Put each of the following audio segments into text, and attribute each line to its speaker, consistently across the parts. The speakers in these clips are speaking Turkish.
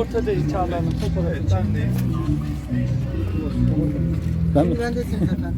Speaker 1: ortadayız Çağla Hanım. Fotoğrafı.
Speaker 2: Ben mi?
Speaker 3: Bendesiniz efendim.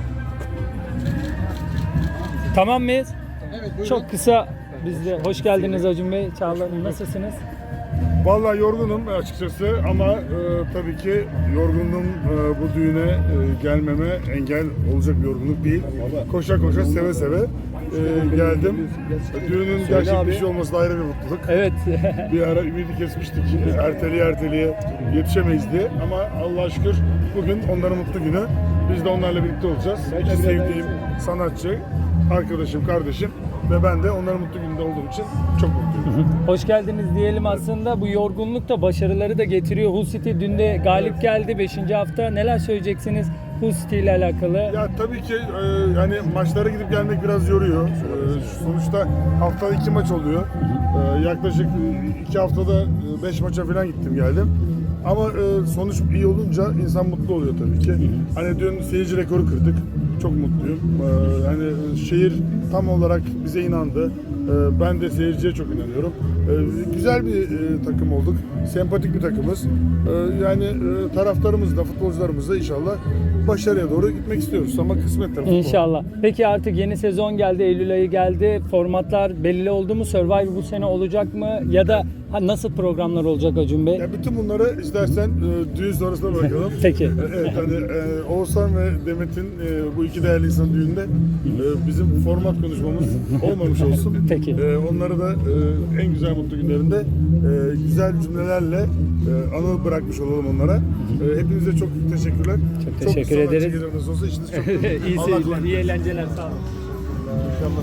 Speaker 1: Tamam mıyız?
Speaker 3: Evet, buyurun.
Speaker 1: Çok kısa biz de hoş geldiniz Acun Bey. Çağla Hanım nasılsınız?
Speaker 4: Vallahi yorgunum açıkçası ama tabii ki yorgunluğum bu düğüne gelmeme engel olacak bir yorgunluk değil. Koşa koşa seve seve geldim. Düğünün gerçek bir şey olması da ayrı bir mutluluk.
Speaker 1: Evet.
Speaker 4: Bir ara ümidi kesmiştik erteleye yetişemeyiz diye ama Allah'a şükür bugün onların mutlu günü. Biz de onlarla birlikte olacağız. İki sevdiğim sanatçı, arkadaşım, kardeşim ve ben de onların mutlu gününde olduğum için çok mutluyum.
Speaker 1: Hoş geldiniz diyelim aslında. Bu yorgunluk da başarıları da getiriyor. Hull City dün de galip geldi 5. hafta. Neler söyleyeceksiniz Hull City ile alakalı?
Speaker 4: Ya tabii ki yani maçlara gidip gelmek biraz yoruyor. Sonuçta haftada 2 maç oluyor. Yaklaşık 2 haftada 5 maça falan gittim geldim. Ama sonuç iyi olunca insan mutlu oluyor tabii ki. Hani dün seyirci rekoru kırdık. Çok mutluyum. Hani şehir tam olarak bize inandı. Ben de seyirciye çok inanıyorum. Güzel bir takım olduk. Sempatik bir takımız. Yani taraftarımız da, futbolcularımız da inşallah başarıya doğru gitmek istiyoruz ama kısmet tabii.
Speaker 1: İnşallah. Peki artık yeni sezon geldi, Eylül ayı geldi. Formatlar belli oldu mu? Survivor bu sene olacak mı? Ya da nasıl programlar olacak Acun Bey?
Speaker 4: Ya bütün bunları istersen düğün sonrasına bırakalım.
Speaker 1: Peki.
Speaker 4: Evet, hani Oğuzhan ve Demet'in bu iki değerli insan düğünde bizim format konuşmamız olmamış olsun.
Speaker 1: Peki.
Speaker 4: Onları da en güzel mutlu günlerinde güzel cümlelerle anı bırakmış olalım onlara. Hepinize çok teşekkürler.
Speaker 1: Çok teşekkür ederiz.
Speaker 4: Çok gelir nasıl olsa işiniz çok
Speaker 1: İyi
Speaker 4: Allah
Speaker 1: seyirler,
Speaker 4: kolaylık
Speaker 1: iyi eğlenceler. Sağ olun.
Speaker 4: İnşallah.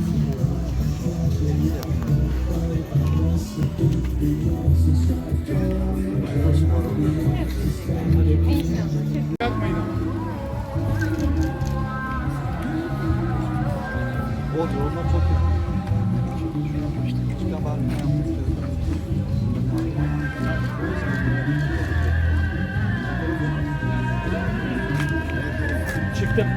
Speaker 1: Çıktım.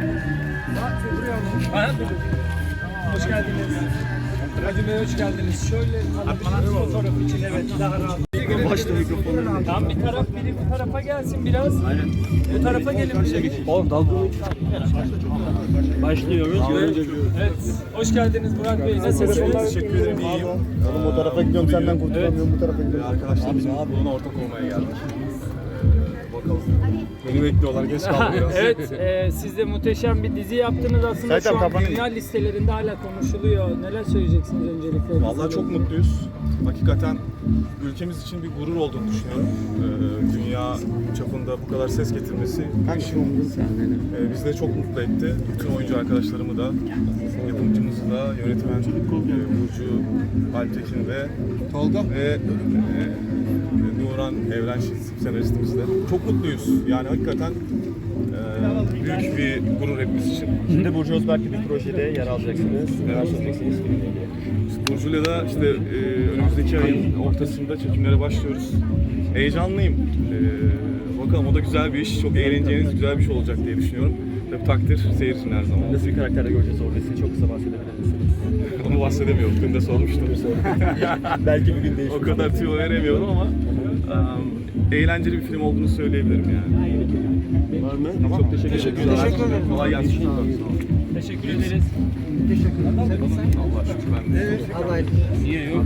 Speaker 1: Hoş geldiniz. Acun Bey hoş geldiniz. Şöyle alabilirsiniz fotoğraf için, evet, daha rahat.
Speaker 2: Başta mikrofonu.
Speaker 1: Tam bir taraf biri bu tarafa gelsin biraz. Aynen. Bu tarafa gelin.
Speaker 2: Oğlum dalga başlıyoruz.
Speaker 1: Evet. Hoş geldiniz Murat Bey. Nasılsınız?
Speaker 5: Teşekkür ederim, iyiyim.
Speaker 4: Oğlum o tarafa gidiyorum senden kurtulamıyorum bu tarafa gidiyorum.
Speaker 5: Arkadaşlarımızın mutluluğuna ortak olmaya geldik. Bakalım. Beni bekliyorlar, geç kaldım biraz.
Speaker 1: Evet, siz de muhteşem bir dizi yaptınız aslında. Şu an dünya listelerinde hala konuşuluyor. Neler söyleyeceksiniz öncelikle?
Speaker 5: Vallahi çok mutluyuz. Hakikaten ülkemiz için bir gurur olduğunu düşünüyorum. Dünya çapında bu kadar ses getirmesi bizi de çok mutlu etti. Bütün oyuncu arkadaşlarımı da, yapımcımızı da, yönetmen Burcu Alptekin ve Tolga ve Nuran Evren senaristimiz de. Çok mutluyuz. Yani hakikaten büyük bir gurur hepimiz için.
Speaker 2: Şimdi Burcu Özberk'le bir projede yer alacaksınız. Neler söyleyeceksiniz filmle ilgili?
Speaker 5: Burcu'yla da işte önümüzdeki ayın ortasında çekimlere başlıyoruz. Heyecanlıyım. Bakalım o da güzel bir iş. Çok eğleneceğiniz güzel bir şey olacak diye düşünüyorum. Tabii takdir seyircinin her zaman.
Speaker 2: Nasıl bir karakterde göreceğiz orada sizi? Çok kısa bahsedebilir misiniz?
Speaker 5: Onu bahsedemiyorum. Dün de sormuştum.
Speaker 2: Belki bir gün değişir.
Speaker 5: O kadar tüyo veremiyorum ama eğlenceli bir film olduğunu söyleyebilirim yani.
Speaker 2: Var mı?
Speaker 5: Tamam. Çok teşekkür ederim.
Speaker 3: Teşekkür ederim.
Speaker 5: Kolay gelsin.
Speaker 1: Teşekkür ederiz.
Speaker 5: Allah şükür ben de.
Speaker 3: Allah
Speaker 1: Niye yok?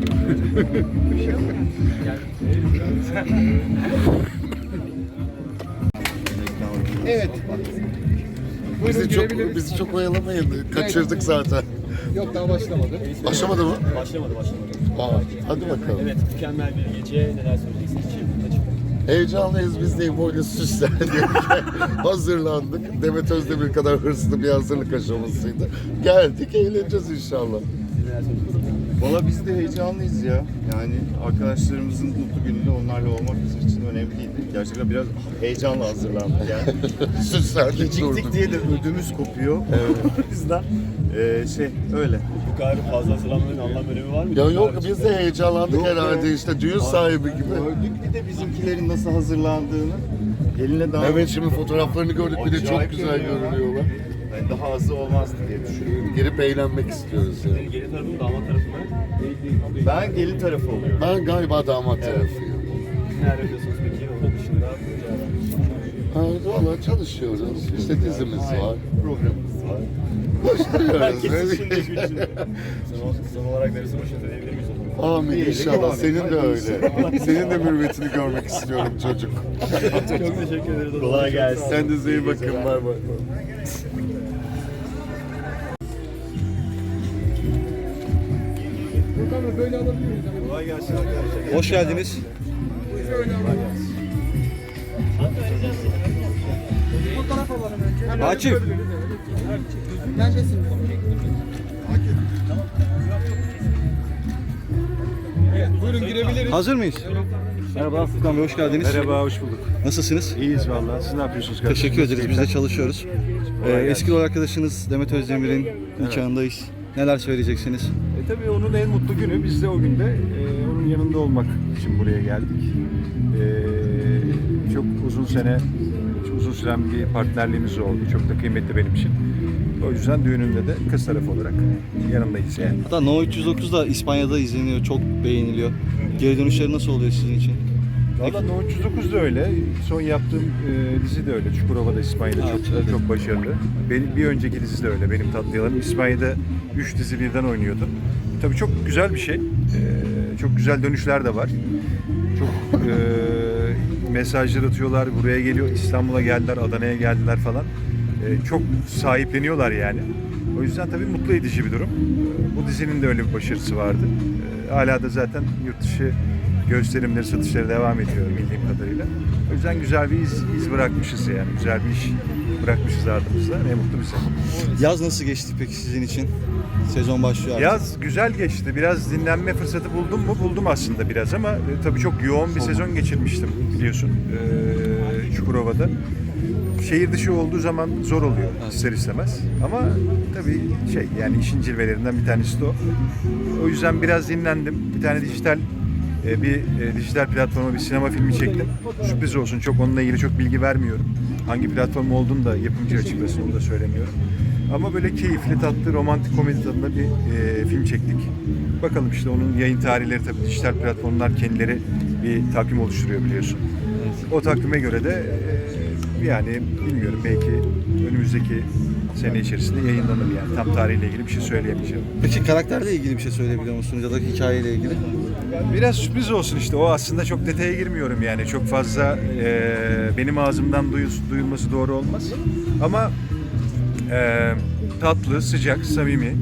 Speaker 3: Evet.
Speaker 6: Bizi çok oyalamayın. Kaçırdık zaten.
Speaker 3: Yok daha başlamadı.
Speaker 6: Başlamadı mı?
Speaker 2: Başlamadı.
Speaker 6: Aa, hadi bakalım.
Speaker 2: Evet, mükemmel bir gece. Neler söyleyeceksiniz?
Speaker 6: Heyecanlıyız biz de böyle süslendik. Hazırlandık. Demet Özdemir kadar hırslı bir hazırlık aşamasıydı. Geldik, eğleneceğiz inşallah.
Speaker 7: Valla biz de heyecanlıyız ya. Yani arkadaşlarımızın mutlu gününde onlarla olmak bizim için önemliydi. Gerçekten biraz heyecanla hazırlandık yani.
Speaker 6: Süslendik
Speaker 7: Geciktik
Speaker 6: durduk.
Speaker 7: diye de ödümüz kopuyor. O yüzden öyle.
Speaker 2: Bu kadar fazla hazırlanmanın anlam önemi var mı?
Speaker 6: Ya yok biz de heyecanlandık
Speaker 7: Yok
Speaker 6: herhalde
Speaker 7: be.
Speaker 6: işte düğün sahibi gibi.
Speaker 7: Gördük bir de bizimkilerin nasıl hazırlandığını. Geline daha
Speaker 6: Evet şimdi fotoğraflarını gördük bir de çok
Speaker 7: Acayip
Speaker 6: güzel
Speaker 7: görünüyorlar.
Speaker 6: görünüyorlar.
Speaker 7: Yani daha azı olmazdı diye düşünüyorum.
Speaker 6: Girip eğlenmek istiyoruz yani.
Speaker 2: Gelin tarafı mı, damat tarafı mı?
Speaker 7: Ben gelin tarafı oluyorum.
Speaker 6: Ben galiba damat tarafıyım.
Speaker 2: neler yapıyorsunuz peki? Onun dışında
Speaker 6: Valla çalışıyoruz. İşte dizimiz var, programımız var. Koşturuyoruz.
Speaker 2: herkes içinde güçlü. Son olarak darısı başınıza diyebilir miyiz o zaman?
Speaker 6: Amin inşallah. Senin de öyle. Senin de mürüvvetini görmek istiyorum çocuk.
Speaker 2: Çok teşekkür ederiz. Kolay gelsin.
Speaker 6: Sen de iyi bakın. Bay bay.
Speaker 3: Böyle alabiliyoruz.
Speaker 2: Kolay gelsin arkadaşlar.
Speaker 8: Hoş geldiniz.
Speaker 3: Fotoğraf alalım önce.
Speaker 8: Akif.
Speaker 3: Neredesin? Buyurun girebiliriz.
Speaker 8: Hazır mıyız? Merhaba Furkan Bey, hoş geldiniz.
Speaker 9: Merhaba, hoş bulduk.
Speaker 8: Nasılsınız?
Speaker 9: İyiyiz vallahi. Siz ne yapıyorsunuz kardeşim?
Speaker 8: Teşekkür ederiz. Biz de çalışıyoruz.
Speaker 9: Kolay
Speaker 8: Eski rol arkadaşınız Demet Özdemir'in nikahındayız. Neler söyleyeceksiniz?
Speaker 9: Tabii onun en mutlu günü. Biz de o günde onun yanında olmak için buraya geldik. Çok uzun süren bir partnerliğimiz oldu. Çok da kıymetli benim için. O yüzden düğününde de kız tarafı olarak yanındayız yani.
Speaker 8: Hatta No 309 da İspanya'da izleniyor, çok beğeniliyor. Geri dönüşleri nasıl oluyor sizin için?
Speaker 9: Valla No 309 da öyle. Son yaptığım dizi de öyle. Çukurova'da İspanya'da çok başarılı. Benim bir önceki dizi de öyle. Benim Tatlı Yalanım. İspanya'da 3 dizi birden oynuyordum. Tabii çok güzel bir şey. Çok güzel dönüşler de var. Çok mesajlar atıyorlar. Buraya geliyor. İstanbul'a geldiler, Adana'ya geldiler falan. Çok sahipleniyorlar yani. O yüzden tabii mutlu edici bir durum. Bu dizinin de öyle bir başarısı vardı. Hala da zaten yurt dışı gösterimleri, satışları devam ediyor bildiğim kadarıyla. O yüzden güzel bir iz bırakmışız yani. Güzel bir iş bırakmışız ardımızda. Ne mutlu bize.
Speaker 8: Yaz nasıl geçti peki sizin için? Sezon başlıyor artık.
Speaker 9: Yaz güzel geçti. Biraz dinlenme fırsatı buldum mu? Buldum aslında biraz ama tabii çok yoğun bir sezon geçirmiştim biliyorsun Çukurova'da. Şehir dışı olduğu zaman zor oluyor ister istemez. Ama tabii yani işin cilvelerinden bir tanesi de o. O yüzden biraz dinlendim. Bir tane dijital platforma bir sinema filmi çektim. Sürpriz olsun. Çok onunla ilgili çok bilgi vermiyorum. Hangi platform olduğunu da yapımcı açıklasın, onu da söylemiyorum. Ama böyle keyifli, tatlı, romantik komedi tadında bir film çektik. Bakalım işte onun yayın tarihleri tabii dijital platformlar kendileri bir takvim oluşturuyor biliyorsun. O takvime göre de yani bilmiyorum belki önümüzdeki sene içerisinde yayınlanır yani. Tam tarihle ilgili bir şey söyleyemeyeceğim.
Speaker 8: Peki karakterle ilgili bir şey söyleyebiliyor musunuz ya da hikayeyle ilgili?
Speaker 9: Biraz sürpriz olsun işte. O aslında çok detaya girmiyorum yani. Çok fazla benim ağzımdan duyulması doğru olmaz. Ama tatlı, sıcak, samimi,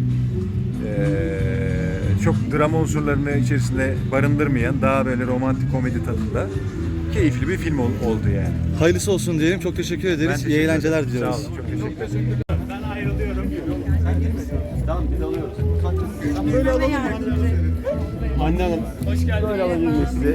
Speaker 9: çok drama unsurlarını içerisinde barındırmayan, daha böyle romantik komedi tadında keyifli bir film oldu yani.
Speaker 8: Hayırlısı olsun diyelim. Çok teşekkür ederiz. İyi eğlenceler diliyoruz.
Speaker 9: Sağ olun. Çok teşekkür ederim.
Speaker 2: Ben ayrılıyorum. Tamam biz alıyoruz.
Speaker 3: Böyle alalım.
Speaker 2: Anne Hanım. Hoş geldiniz. Böyle alabilir miyiz sizi?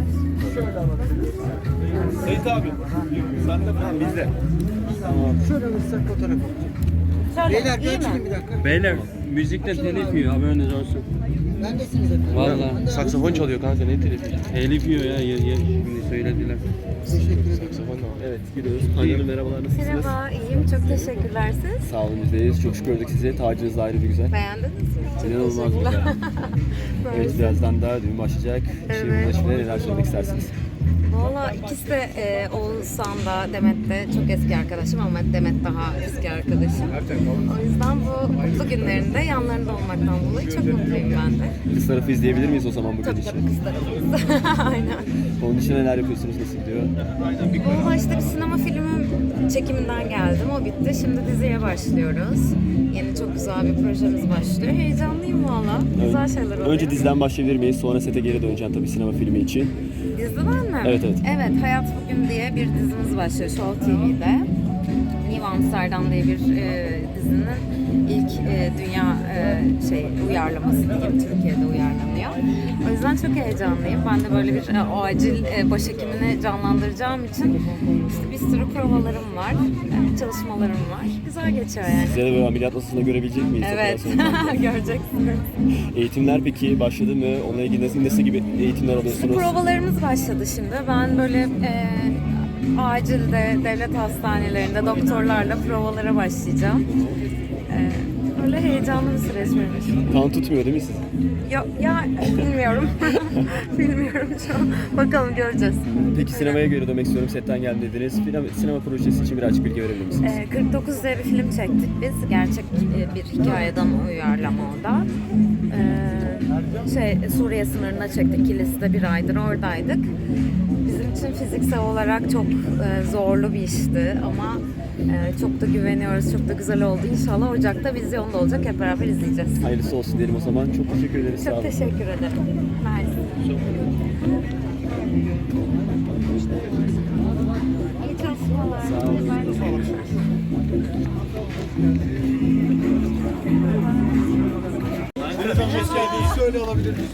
Speaker 2: Seyit abi. Sen de falan bizde.
Speaker 3: Şöyle alırsak fotoğraf alalım. Beyler bir açayım bir dakika.
Speaker 10: Beyler müzikten telif yiyor haberiniz olsun.
Speaker 3: Bendesiniz efendim.
Speaker 10: Valla.
Speaker 2: Saksafon çalıyor kanka ne telifi?
Speaker 10: Telif yiyor ya şimdi söylediler.
Speaker 3: Teşekkür ederim.
Speaker 2: Evet gidiyoruz. Hanım merhabalar nasılsınız?
Speaker 11: Merhaba, iyiyim. Çok teşekkürler siz.
Speaker 2: Sağ olun bizdeyiz. Çok şükür gördük sizi. Tacınız da ayrı bir güzel.
Speaker 11: Beğendiniz mi? Çok
Speaker 2: İnanılmaz
Speaker 11: teşekkürler.
Speaker 2: güzel. Evet
Speaker 11: Mersi.
Speaker 2: birazdan daha düğün başlayacak.
Speaker 11: Evet.
Speaker 2: Şimdi neler söylemek istersiniz?
Speaker 11: Valla ikisi de Oğuzhan da Demet de çok eski arkadaşım ama Demet daha eski arkadaşım. O yüzden bu mutlu günlerinde yanlarında olmaktan dolayı çok mutluyum ben de.
Speaker 2: Kız tarafı izleyebilir miyiz o zaman bu
Speaker 11: Tabii
Speaker 2: gidişi?
Speaker 11: tabii kız tarafımız. Aynen.
Speaker 2: Onun için neler yapıyorsunuz? Nasıl gidiyor?
Speaker 11: Valla işte bir sinema filmim çekiminden geldim. O bitti. Şimdi diziye başlıyoruz. Yeni çok güzel bir projemiz başlıyor. Heyecanlıyım valla. Güzel şeyler oluyor.
Speaker 2: Önce diziden başlayabilir miyiz? Sonra sete geri döneceğim tabii sinema filmi için.
Speaker 11: Diziden mi?
Speaker 2: Evet, evet.
Speaker 11: Evet, Hayat Bugün diye bir dizimiz başlıyor Show TV'de. New Amsterdam diye bir dizinin ilk dünya uyarlaması diyeyim, Türkiye'de uyarlanıyor. O yüzden çok heyecanlıyım. Ben de böyle bir acil başhekimini canlandıracağım için işte bir sürü provalarım var, çalışmalarım var. Güzel geçiyor yani.
Speaker 2: Size de böyle ameliyat masasında görebilecek miyiz?
Speaker 11: Evet, göreceksiniz.
Speaker 2: Eğitimler peki başladı mı? Onunla ilgili nasıl gibi eğitimler alıyorsunuz?
Speaker 11: Provalarımız başladı şimdi. Ben böyle acilde, devlet hastanelerinde doktorlarla provalara başlayacağım. Öyle heyecanlı bir süreç benim için.
Speaker 2: Kan tutmuyor değil mi siz?
Speaker 11: Ya bilmiyorum. Bilmiyorum şu an. Bakalım göreceğiz.
Speaker 2: Peki sinemaya geri dönmek istiyorum. Setten geldim dediniz. Sinema projesi için birazcık bilgi verebilir misiniz?
Speaker 11: 49 diye bir film çektik biz. Gerçek bir hikayeden uyarlama o da. Suriye sınırına çektik. Kilis'te bir aydır oradaydık. Bizim için fiziksel olarak çok zorlu bir işti ama çok da güveniyoruz. Çok da güzel oldu. İnşallah Ocak'ta vizyonda olacak. Hep beraber izleyeceğiz.
Speaker 2: Hayırlısı olsun diyelim o zaman. Çok teşekkür ederiz. Sağ
Speaker 11: Çok
Speaker 2: olun.
Speaker 11: teşekkür ederim. Mersi. İyi çalışmalar.
Speaker 2: Sağ olun.
Speaker 3: Şöyle alabilir miyiz?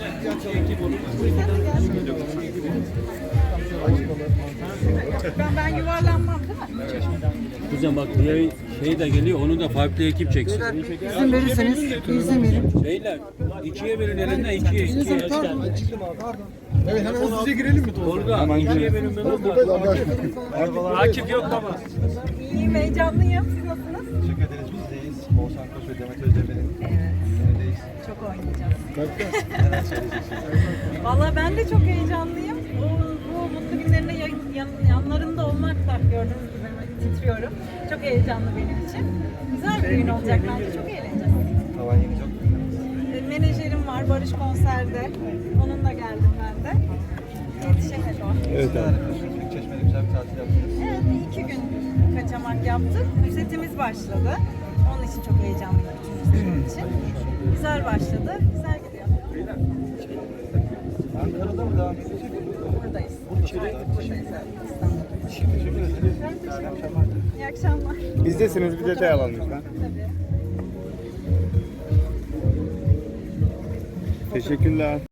Speaker 12: Ben yuvarlanmam değil mi?
Speaker 10: Kuzen bak diğer şey de geliyor, onu da farklı ekip çeksin.
Speaker 3: İzin verirseniz izin verin.
Speaker 10: Beyler, ikiye verin elinden, ikiye.
Speaker 3: Pardon. Evet hemen hızlıca girelim mi?
Speaker 10: Orada, ikiye verin ben
Speaker 1: Akif yok baba.
Speaker 12: İyiyim, heyecanlıyım. Siz nasılsınız?
Speaker 8: Teşekkür ederiz. Bizdeyiz. Oğuzhan Koç ve Demet Özdemir'in önündeyiz.
Speaker 12: Çok oynayacağız. Valla ben de çok heyecanlıyım. Bu mutlu günlerinde yanlarında olmak da gördüğünüz gibi titriyorum. Çok heyecanlı benim için. Güzel bir gün olacak bence. Çok eğleneceğiz.
Speaker 8: Tavan yenecek.
Speaker 12: Menajerim var Barış konserde. Onunla geldim ben de. Yetişemedi o.
Speaker 8: Evet abi. Çeşme'de güzel bir tatil yaptınız.
Speaker 12: Evet, 2 gün kaçamak yaptık. Setimiz başladı. Onun için çok heyecanlıyım bütün için. Güzel başladı, güzel gidiyor.
Speaker 8: Ankara'da mı devam edecek?
Speaker 12: Buradayız. Buradayız. İyi akşamlar.
Speaker 2: Bizdesiniz bir detay alalım lütfen.
Speaker 12: Tabii.
Speaker 2: Teşekkürler.